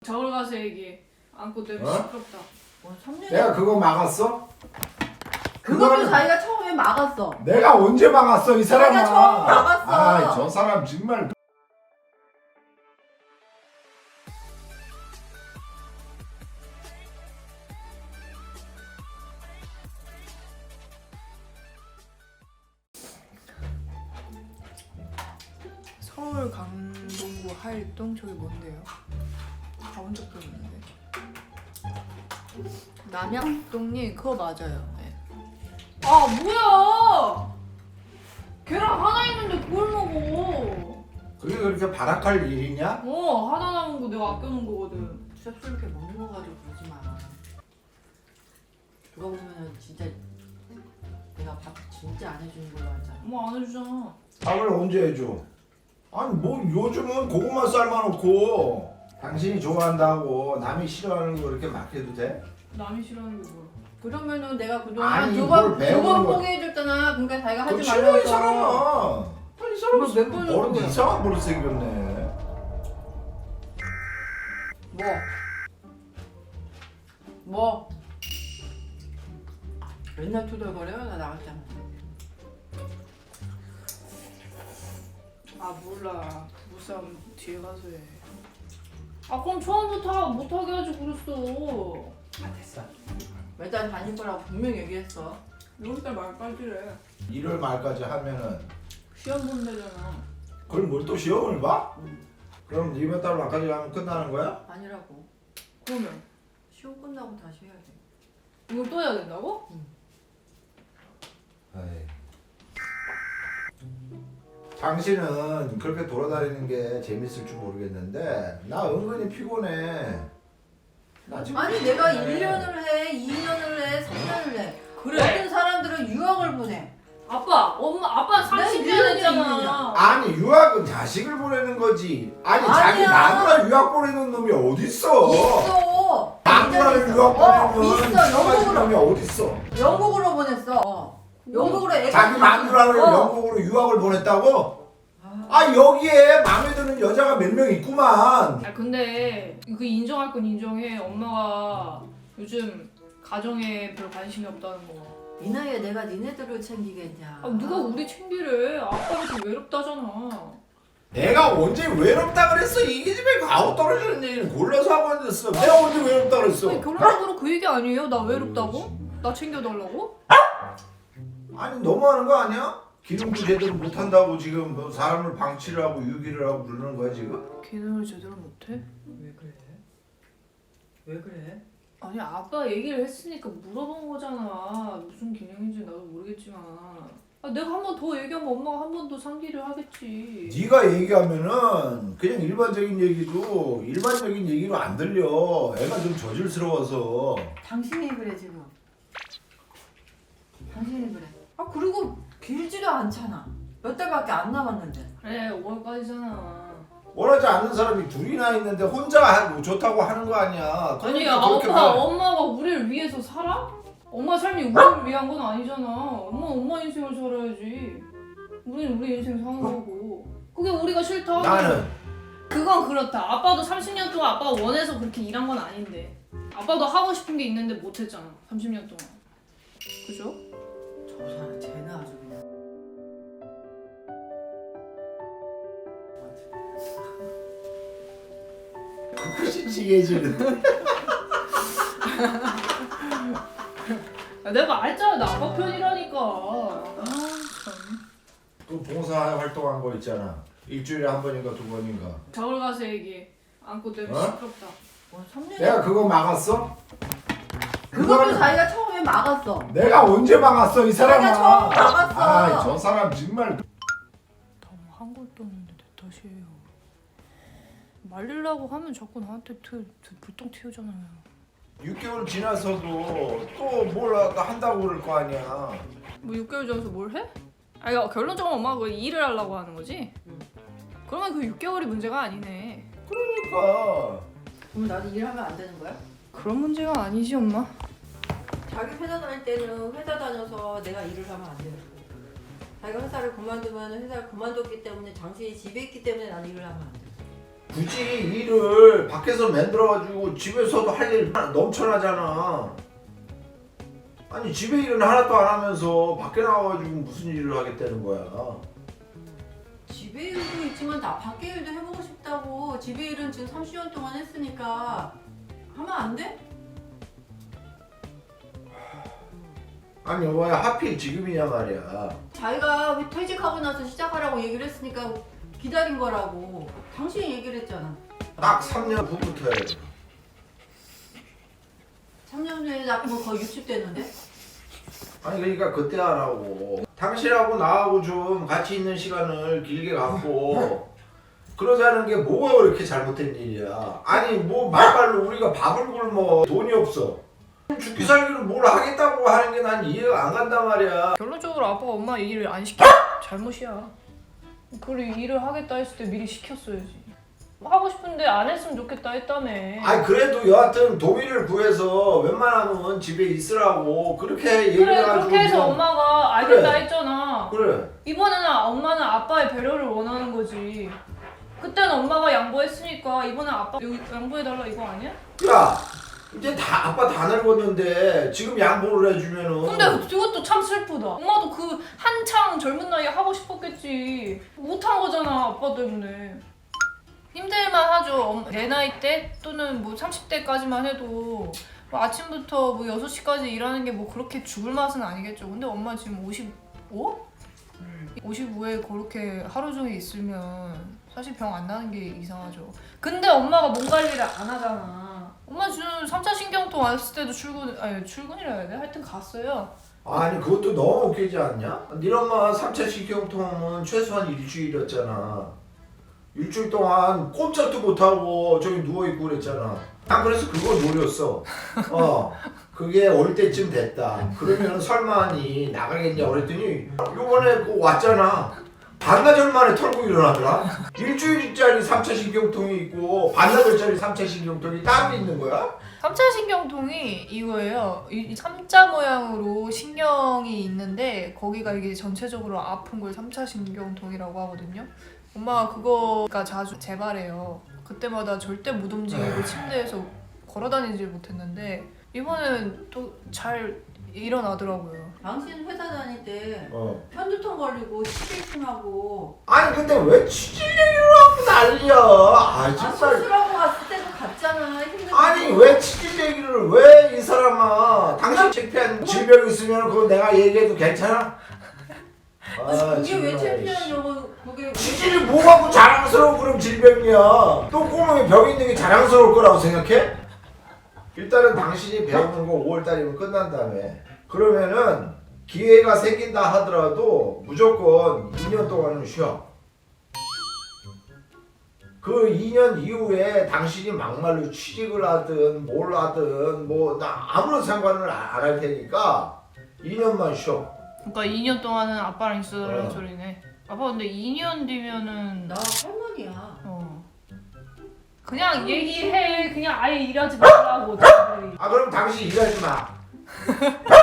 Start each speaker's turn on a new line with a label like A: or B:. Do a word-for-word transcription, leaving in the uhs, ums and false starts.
A: 저울 가서 얘기해. 안고 때문에
B: 어?
A: 시끄럽다.
C: 뭐 삼 년이
B: 내가 그거 막았어?
C: 그것도
B: 그거는-
C: 자기가 처음에 막았어.
B: 내가 언제 막았어 이 사람아?
C: 자기가 처음 막았어.
B: 아, 저 사람 정말.
A: 서울 강동구 하일동 저기 뭔데요? 가본 적도 없는데. 남양동님 그거 맞아요. 네. 아 뭐야? 계란 하나 있는데 그걸 먹어.
B: 그게 그렇게 발악할 일이냐?
A: 어 하나 남은 거 내가 아껴놓은 거거든.
C: 섭섭하게 먹는 거 가지고 그러지 마. 누가 보면은 진짜 내가 밥 진짜 안 해주는 걸로 알잖아.
A: 뭐 안 해주잖아.
B: 밥을 언제 해줘? 아니 뭐 요즘은 고구마 삶아놓고 당신이 좋아한다고 남이 싫어하는 거 그렇게 막 해도 돼?
A: 남이 싫어하는 게 뭐야?
C: 그러면은 내가 그동안
B: 아니,
C: 두번
B: 뭘 배우는
C: 두번
B: 거-
C: 포기해줬잖아. 그러니까 자기가 하지
B: 그거 싫어
C: 말라고
B: 이 사람아. 이 사람
C: 뭐 몇 번을
B: 버릇
C: 그거야?
B: 이상한 버릇 생겼네.
C: 뭐? 뭐? 맨날 투덜거려? 나 나갔잖아.
A: 아 몰라. 부부싸움 뒤에 가서 해. 아 그럼 처음부터 못하게 하지 그랬어.
B: 아 됐어.
C: 매달 다닐 거라고 분명히 얘기했어.
A: 여기다 말까지래.
B: 일월 말까지 하면은
A: 시험 본대잖아.
B: 그걸 뭘 또 시험을 봐?
C: 응.
B: 그럼 이번 달 말까지 하면 끝나는 거야?
C: 아니라고.
A: 그러면
C: 시험 끝나고 다시 해야 돼.
A: 이걸 또 해야 된다고?
B: 에이. 당신은 그렇게 돌아다니는 게 재밌을 줄 모르겠는데 나 은근히 피곤해. 나 지금
C: 아니 내가
B: 피곤해.
C: 일 년을 해, 이 년을 해, 삼 년을 해.
A: 그래.
C: 어떤 사람들은 유학을 보내.
A: 아빠, 엄마, 아빠 삼십 년
C: 일
A: 했잖아.
B: 아니 유학은 자식을 보내는 거지. 아니 자기
C: 아니야.
B: 나누라 유학 보내는 놈이 어딨어?
C: 있어.
B: 나누라를
C: 있어.
B: 유학
C: 어,
B: 보내는
C: 있어.
B: 가진
C: 영국으로.
B: 놈이 어딨어?
C: 영국으로 보냈어. 어. 영국으로 애가
B: 자기 마누라를
C: 어.
B: 영국으로 유학을 보냈다고?
C: 아,
B: 아 여기에 마음에 드는 여자가 몇 명 있구만.
A: 아 근데 그 인정할 건 인정해. 엄마가 요즘 가정에 별 관심이 없다는 거.
C: 이 나이에 내가 니네들을 챙기겠냐.
A: 아 누가 우리 챙기래? 아빠가 좀 외롭다잖아.
B: 내가 언제 외롭다 그랬어? 이 집에 가고 떨어지는 일을 골라서 하고 앉았어. 내가 언제 외롭다 그랬어?
A: 아니 결론적으로 그 얘기 아니에요? 나 외롭다고?
B: 정말.
A: 나 챙겨달라고?
B: 아니 너무하는 거 아니야? 기름도 제대로 못한다고 지금 뭐 사람을 방치를 하고 유기를 하고 그러는 거야 지금?
A: 기능을 제대로 못해?
C: 왜 그래? 왜 그래?
A: 아니 아빠 얘기를 했으니까 물어본 거잖아. 무슨 기능인지 나도 모르겠지만 아, 내가 한 번 더 얘기하면 엄마가 한 번 더 상기를 하겠지.
B: 네가 얘기하면은 그냥 일반적인 얘기도 일반적인 얘기로 안 들려. 애가 좀 저질스러워서.
C: 당신이 그래 지금. 당신이 그래. 아 그리고 길지도 않잖아. 몇 달밖에 안 남았는데.
A: 그래 오월까지잖아.
B: 원하지 않는 사람이 둘이나 있는데 혼자 하고 좋다고 하는 거 아니야.
A: 아니
B: 그러니까 그렇게
A: 아빠
B: 말-
A: 엄마가 우리를 위해서 살아? 엄마 삶이 우리를 위한 건 아니잖아. 엄마 엄마 인생을 살아야지. 우리는 우리 인생 사는 거고. 그게 우리가 싫다.
B: 나는
A: 그건 그렇다. 아빠도 삼십 년 동안 아빠가 원해서 그렇게 일한 건 아닌데. 아빠도 하고 싶은 게 있는데 못 했잖아. 삼십 년 동안. 그죠?
C: 저 사람 쟤는 아주 그냥.
B: 그것이 지게지는.
A: 야, 내가 알잖아. 나 아빠 편이라니까. 아 참.
B: 또 봉사 활동한 거 있잖아. 일주일에 한 번인가 두 번인가.
A: 저울 가서 얘기해. 안고 때문에
B: 어?
A: 시끄럽다.
C: 뭐 삼 년이
B: 내가 그거 막았어?
C: 그것도
B: 그거는
C: 자기가 처음에 막았어.
B: 내가 언제 막았어 이 사람아?
C: 자기가 처음 막았어.
B: 아, 저 사람 정말.
A: 다한 것도 없는데 내 탓이에요. 말리려고 하면 자꾸 나한테 트, 트, 불똥 튀우잖아요.
B: 육 개월 지나서도 또 뭘 한다고 그럴 거 아니야.
A: 뭐 육 개월 전에서 뭘 해? 아니 결론적으로 엄마가 그 일을 하려고 하는 거지?
C: 응.
A: 그러면 그 육 개월이 문제가 아니네.
B: 그러니까.
C: 그럼 나도 일하면 안 되는 거야?
A: 그런 문제가 아니지 엄마.
C: 자기 회사 다닐 때는 회사 다녀서 내가 일을 하면 안 되는 거야. 자기가 회사를 그만두면 회사를 그만뒀기 때문에 당신이 집에 있기 때문에 나는 일을 하면 안 돼.
B: 굳이 일을 밖에서 만들어가지고 집에서도 할 일 넘쳐나잖아. 아니 집에 일은 하나도 안 하면서 밖에 나와가지고 무슨 일을 하겠다는 거야.
C: 집에 일도 있지만 나 밖에 일도 해보고 싶다고. 집에 일은 지금 삼십 년 동안 했으니까 하면 안 돼?
B: 아니 왜 하필 지금이냐 말이야.
C: 자기가 왜 퇴직하고 나서 시작하라고 얘기를 했으니까 기다린 거라고. 당신이 얘기를 했잖아.
B: 딱 삼 년 후부터 해야 돼.
C: 삼 년 전에 나 뭐 거의 육십 됐는데?
B: 아니 그러니까 그때 하라고. 당신하고 나하고 좀 같이 있는 시간을 길게 갖고 그러자는 게 뭐가 그렇게 잘못된 일이야. 아니 뭐 말발로 우리가 밥을 굶어 돈이 없어. 죽기 살기로 뭘 하겠다고 하는 게 난 이해가 안 간단 말이야.
A: 결론적으로 아빠가 엄마 일을 안 시켜 잘못이야. 그리고 일을 하겠다 했을 때 미리 시켰어야지. 하고 싶은데 안 했으면 좋겠다 했다며.
B: 아니 그래도 여하튼 동의를 구해서 웬만하면 집에 있으라고 그렇게 얘기를
A: 그래
B: 해가지고
A: 그렇게 해서
B: 그냥-
A: 엄마가 알겠다
B: 그래.
A: 했잖아.
B: 그래.
A: 이번에는 엄마는 아빠의 배려를 원하는 거지. 그때는 엄마가 양보했으니까 이번엔 아빠 여기 양보해달라 이거 아니야?
B: 야 이제 다 아빠 다 늙었는데 지금 양보를 해주면은
A: 근데 그것도 참 슬프다. 엄마도 그 한창 젊은 나이에 하고 싶었겠지. 못한 거잖아 아빠 때문에. 힘들만 하죠. 엄- 내 나이 때 또는 뭐 삼십 대까지만 해도 뭐 아침부터 뭐 여섯 시까지 일하는 게 뭐 그렇게 죽을 맛은 아니겠죠. 근데 엄마 지금 오십오? 오십오에 그렇게 하루 종일 있으면 사실 병 안 나는 게 이상하죠. 근데 엄마가 몸 관리를 안 하잖아. 엄마 지금 삼 차 신경통 왔을 때도 출근, 아니 출근이라 해야 돼? 하여튼 갔어요.
B: 아니 그것도 너무 웃기지 않냐? 네 엄마 삼 차 신경통은 최소한 일주일이었잖아. 일주일 동안 꼼짝도 못하고 저기 누워있고 그랬잖아. 난 그래서 그거 노렸어. 어 그게 올 때쯤 됐다. 그러면 설마니 나가겠냐 그랬더니 요번에 그 왔잖아. 반나절 만에 털고 일어나더라. 일주일짜리 삼 차 신경통이 있고 반나절짜리 삼 차 신경통이 따로 있는 거야?
A: 삼 차 신경통이 이거예요. 이 삼 자 모양으로 신경이 있는데 거기가 이게 전체적으로 아픈 걸 삼 차 신경통이라고 하거든요. 엄마가 그거가 자주 재발해요. 그때마다 절대 못 움직이고 침대에서 걸어다니질 못했는데 이번엔 또 잘 일어나더라고요.
C: 당신 회사 다닐 때
B: 어.
C: 편두통 걸리고 치질심하고
B: 아니 근데 왜 취질 얘기를 하고 난리야? 아
C: 아
B: 정말.
C: 수술하고 갔을 때도 갔잖아. 힘들고.
B: 아니 왜 취질 얘기를 왜 이 사람아? 당신 창피한 질병 있으면 그거 내가 얘기해도 괜찮아? 아,
C: 그게 왜
B: 정말.
C: 창피하냐고. 그게 왜
B: 취질이 뭐가 그 자랑스러운 그런 질병이야? 또 꼬맹이 병 있는 게 자랑스러울 거라고 생각해? 일단은 당신이 배우는 거 오월달이면 끝난다며. 그러면은 기회가 생긴다 하더라도 무조건 이 년 동안은 쉬어. 그 이 년 이후에 당신이 막말로 취직을 하든 뭘 하든 뭐 나 아무런 상관을 안 할 테니까 이 년만 쉬어.
A: 그러니까 이 년 동안은 아빠랑 있어달라는
B: 어.
A: 소리네. 아빠 근데 이 년 뒤면은
C: 나 할머니야.
A: 어 그냥 얘기해. 그냥 아예 일하지 말라고. 차라리.
B: 아 그럼 당신 일하지 마.